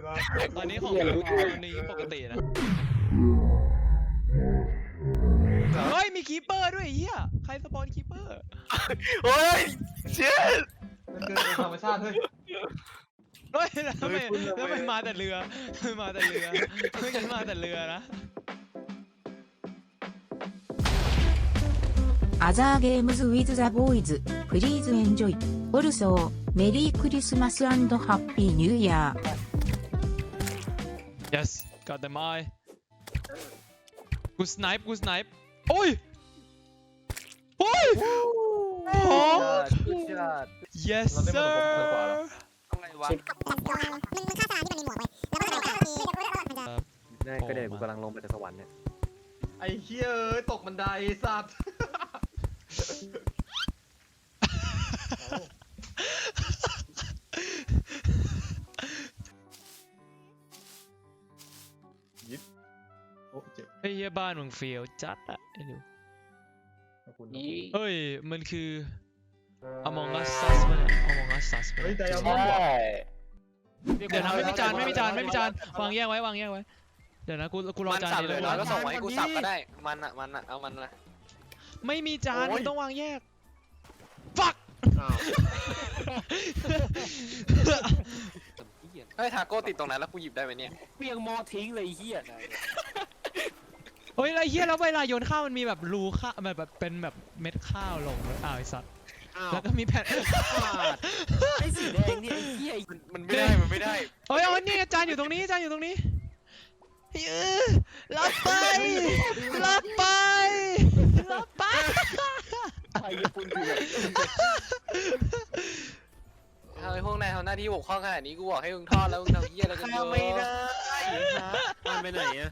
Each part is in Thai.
ตอนนี้ของวันนี้ปกตินะเฮ้ยมีคีเปอร์ด้วยเฮียใครสปอนคีเปอร์โอ้ยเชี่ยมันเกินธรรมชาติเฮ้ยเฮ้ยทำไมมาแต่เรือมาแต่เรือเมื่อกี้มาแต่เรือนะアザーゲームズウィズザボーイズプリーズエンジョイオルソーメリークリスマス&ハッピーニューイヤー yes got them eye กูสไนป์โอ้ยโอ้ยโอ้ yes sir อะไรวะง่ายก็เดี๋ยวกูกำลังลงไปจากสวรรค์เนี่ยไอ้เหี้ยเอ้ยตกบันไดสัตว์ยิบโอ้เจ็บไอ้เหี้ยบ้านมึงเฟียวจัดอะไอ้หนูขอบคุณเฮ้ยมันคือ Among Us Sus ป่ะเนี่ย Among Us Sus ป่ะเฮ้ยเนี่ยไดอาร์มอนด์ว่ะเดี๋ยวนะไม่มีจานวางแยกไว้เดี๋ยวนะกูรอมันจานสับนี้เลเลย ยน้อยก็ส่งมาให้กูสับก็ได้มันอะเอามันนะไม่มีจานโอ้ยมันต้องวางแยก fuck อ้าวเฮ้ยทาโก้ติดตรงนั้นแล้วกูหยิบได้ไหมเนี่ยเปียงมอทิ้งเลยเฮียเฮ้ยไอ้เหี้ยแล้วเวลาโยนข้าวมันมีแบบรูข้าวแบบเป็นแบบเม็ดข้าวลงเลยอ้าวไอ้สัตว์แล้วก็มีแผ่นไอ้สีแดงนี่ไอ้เฮียมันไม่ได้เฮ้ยเอานี่จานอยู่ตรงนี้รับไปไอ้ญี่ปุ่นคือแบบเฮ้ยพวกนายทำหน้าที่บกพร่องขนาดนี้กูบอกให้มึงทอดแล้วมึงทำเหี้ยอะไรกันเยอะไม่ได้มันไปไหนอะ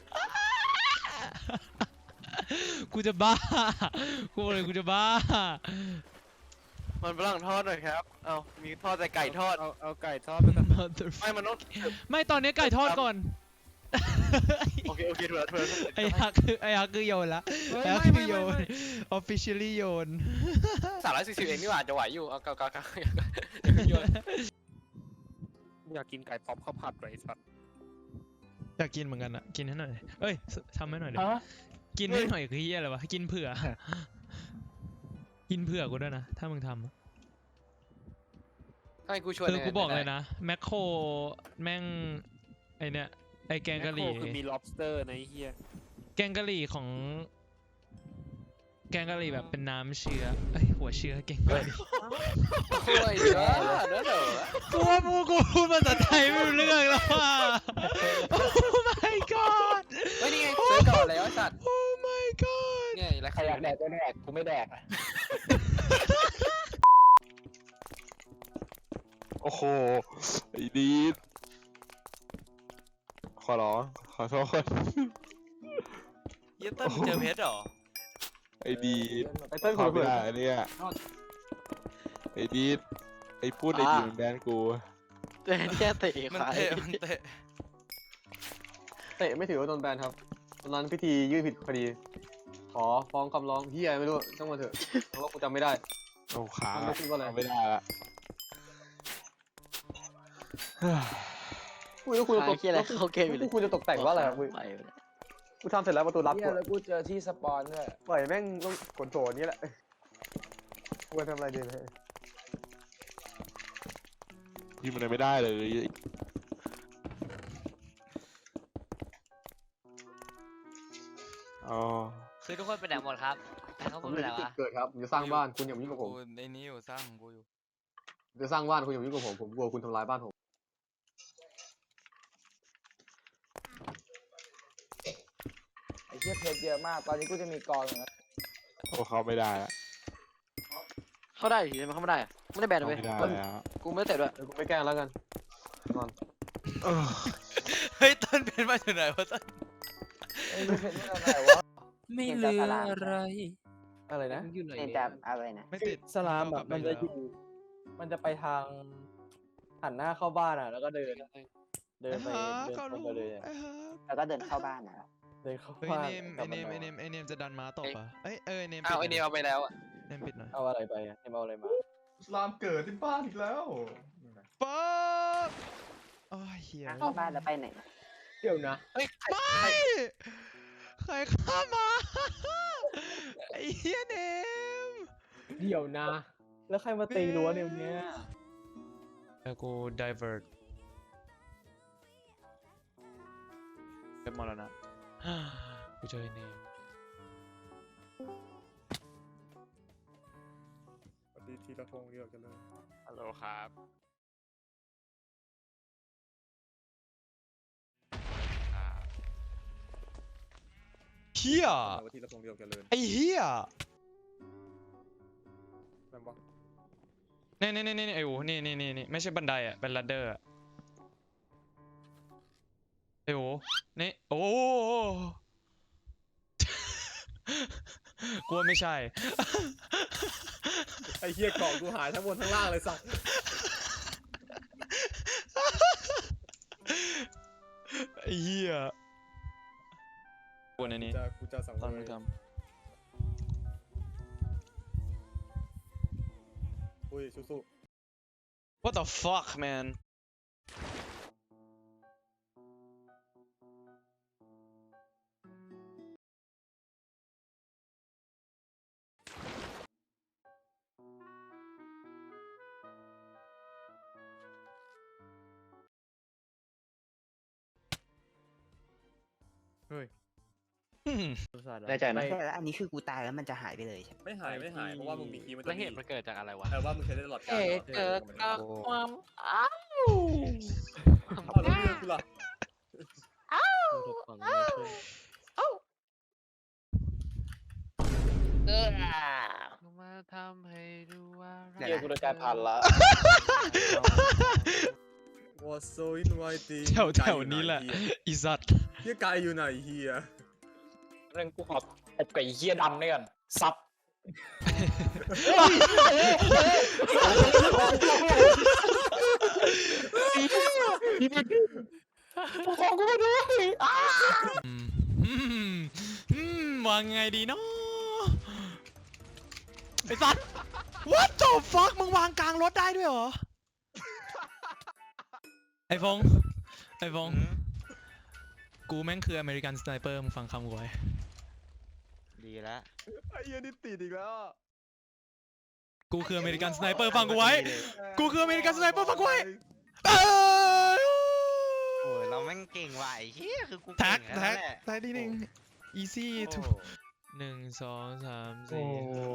กูจะบ้ากูจะบ้ามันฝรั่งทอดหน่อยครับเอามีทอดแต่ไก่ทอดเอาไก่ทอดไปก่อนไม่มันต้องไม่ตอนนี้ไก่ทอดก่อนโอเคถูกแล้วไอ้ฮักคือโยนละไอ้ฮักคือโยน officially โยน 340เองนี่หว่าจะไหวอยู่เอาเก่าอยากกินไก่ป๊อปข้าวผัดไว้สัตว์อยากกินเหมือนกันอะกินให้หน่อยเอ้ยทำให้หน่อยดิกินให้หน่อยคือเฮียอะไรวะกินเผื่อกูด้วยนะถ้ามึงทำให้กูชวนคือกูบอกเลยนะแมคโครแม่งไอเนี่ยไอแกงกะหรี่คือมี lobster นะไอ้เฮียแกงกะหรี่ของแกงกะหรี่แบบเป็นน้ำเชื้อเอ้ยหัวเชื้อแกงกะหรี่โอ้ยเยอะเด้อกูว่ากูพูดภาษาไทยไม่รู้เรื่องแล้วว่ะ Oh my god เฮ้ยนี่ไงซื้อก่อนแล้วไอ้สัตว์ Oh my god เนี่ยอะไรใครอยากแดกก็แดกกูไม่แดกโอ้โหไอ้ดีดขอร้องขอโทษเยี่ยต้นเจอเพชรหรอไอ้ดีดไอ้เต้นขคอน ไม่เปิดได้เนี่ยไอ้ดีดไอ้พูดไอ้ดีมันแบนกูเตะแค่เตะมันเตะเตะไม่ถือว่าโดนแบนครับตอนนั้นพิธียื่นผิดคดี ขอฟ้องคำร้องเฮียไม่รู้ต้องมาเถอะเพราะว่ากูจำไม่ได้โอ้ขามันไม่พูดว่าอะไรเอาไม่ได้ละกูแล้วกูจะตกเฮียอะไรเข้าเกมอยู่เลยกูจะตกแต่งว่าอะไรครับกูกูทำเสร็จแล้วประตูลับเฮีกูยแล้วกูเจอที่สปอนด้วยปล่อยแม่งต้องกดโถนี้แหละกูจะทำอะไรดีเลยยิงมันไม่ได้เลยอ๋อคือทุกคนไปไหนหมดครับเขาผพูมดอไปยู่ไหนที่จุดวะเกิดครับผมจะสร้างบ้านคุณอย่ามายุ่งกับผมในนี้อยู่สร้างของกูอยู่จะสร้างบ้านคุณอย่ามายุ่งกับผมกลัวคุณทำลายบ้านผมไอ้เฮียเพชรเยอะมากตอนนี้กูจะมีกองนะโอ้เขาไม่ได้ละเข้าได้อยู่ใช่ไหมเข้าไม่ได้อะไม่ได้แบนเขาเลยไม่ได้แล้วกูไม่ได้เตะด้วยเดี๋ยวกูไม่แกล้งแล้วกันนอนเฮ้ยต้นเป็นมาจากไหนวะต้นไอ้เพชรไม่อะไรวะไม่เหลืออะไรอะไรนะอยู่ไหนเป็นแต่อะไรนะไม่ติดสลามแบบมันจะอยู่มันจะไปทางหันหน้าเข้าบ้านอ่ะแล้วก็เดินไปเดินตรงไปเลยอะแล้วก็เดินเข้าบ้านนะเดินเข้าเฮ้ยบ้านไอเนมจะดันม้าตบอ่ะเอ้ยไอเนมเอาไอเนียเอาไปแล้วอะเนมปิดหน่อยเอาอะไรไปอะเอาอะไรมาสลามเกิดที่บ้านอีกแล้วป๊อปโอ้ยเฮียทางเข้าบ้านแล้วไปไหนนะเดี๋ยวนะเฮ้ยใครไม่ใครเข้ามา ไอ้เฮียเนมเดี๋ยวนะ แล้วใครมาตีรั้วเนี่ยวันเนี้ยแล้วกู divert เป็นมรณะ กูเจอไอ้เนมสวัสดีทีละพงเดียวกันเลยฮัลโหลครับเฮียว่าทีละพงเดียวกันเลยไอ้เฮียนั่นปะนี่ไอ้โอ้นี่ไม่ใช่บันไดอ่ะเป็นลัดเดอร์อ่ะไอ้โอ้นี่โอ้ กลัวไม่ใช่ไอ้เหี้ยกล่องกูหายทั้งบนทั้งล่างเลยสัตว์ไอ้เหี้ยกลัวในนี้กูจะสังตอนเวมึงชทอุ้ยสู้ำ What the fuck man อืมแน่ใจนะใช่แล้วอันนี้คือกูตายแล้วมันจะหายไปเลยใช่ไหมๆไม่หายเพราะว่ามึงมีคีย์มันแล้วเหตุมันเกิดจากอะไรวะว่ามึงใช้ได้ตลอดกาลเกิดจากความอ้าวเอาแล้วเรื่องกูล่ะมาทำให้ดูว่าเดี๋เดี๋ยยว วนะกูโดนการพันละว่าโซอินไวตีแถวนี้แหละอีสัตว์เฮียกายอยู่ไหนเฮียเรื่องกูขอตบไก่เฮียดำนี่ก่อนซับอืมวางไงดีเนาะไอ้สัตว์ What the fuck มึงวางกลางรถได้ด้วยเหรอ ไอ้ฟงกูแม่งคืออเมริกันสไนเปอร์มึงฟังคำกูไว้ดีแล้วไอ้เหี้ยนี่ติดอีกแล้วกูคืออเมริกันสไนเปอร์ฟังกูไว้ กูคืออเมริกันสไนเปอร์ฟังกูไว้เอ้ยโอ้ยเราแม่งเก่งว่ะไอ้เหี้ยคือกูแท็เก่กงแท็กแล้วแหละแท็กนิดนึง easy โอ้ to 1 2 3 4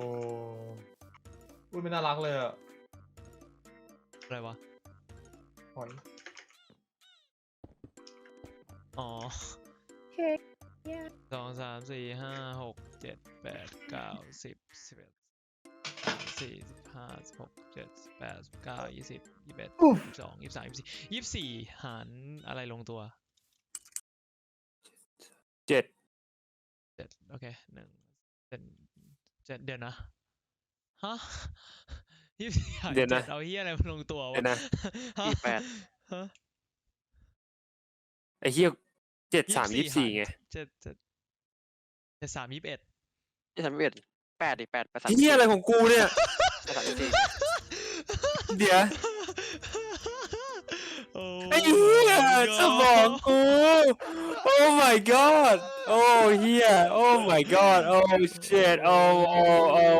อุ้ยไม่น่ารักเลยอ่ะอะไรวะหอนอ๋อ2 3 4 5 6 7 8 9 10 11 14 15 16 17 18 19 20 21 22 23 24 24หารอะไรลงตัว 7 7โอเค7เดี๋ยวนะ ฮะ24หารเดี๋ยวนะ 7เอาเฮียอะไรมาลงตัววะเดี๋ยวนะฮะ ฮะไอ้เฮีย7 3 24ไง 7 3 21 8 เฮียอะไรของกูเนี่ย เดี๋ยวโอ้ไอ้เหี้ยสมองกู Oh my god โอ้เฮีย Oh my god Oh shit Oh Oh Oh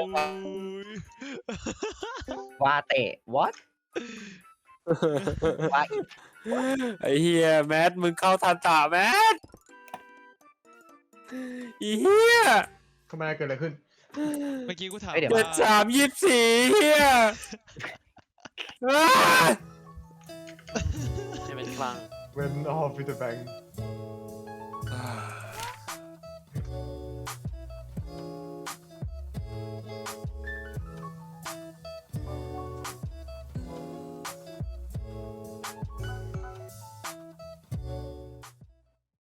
ว่าเตะ what ว่าอีกไอ้เฮียแมทมึงเข้าทันตาแมทอีเฮียทำไมเกิดอะไรขึ้นเมื่อกี้กูถามเดี๋ยวเจ็ดว่า 3 24เฮียอ้าจะเป็นคลัง Went off with the bang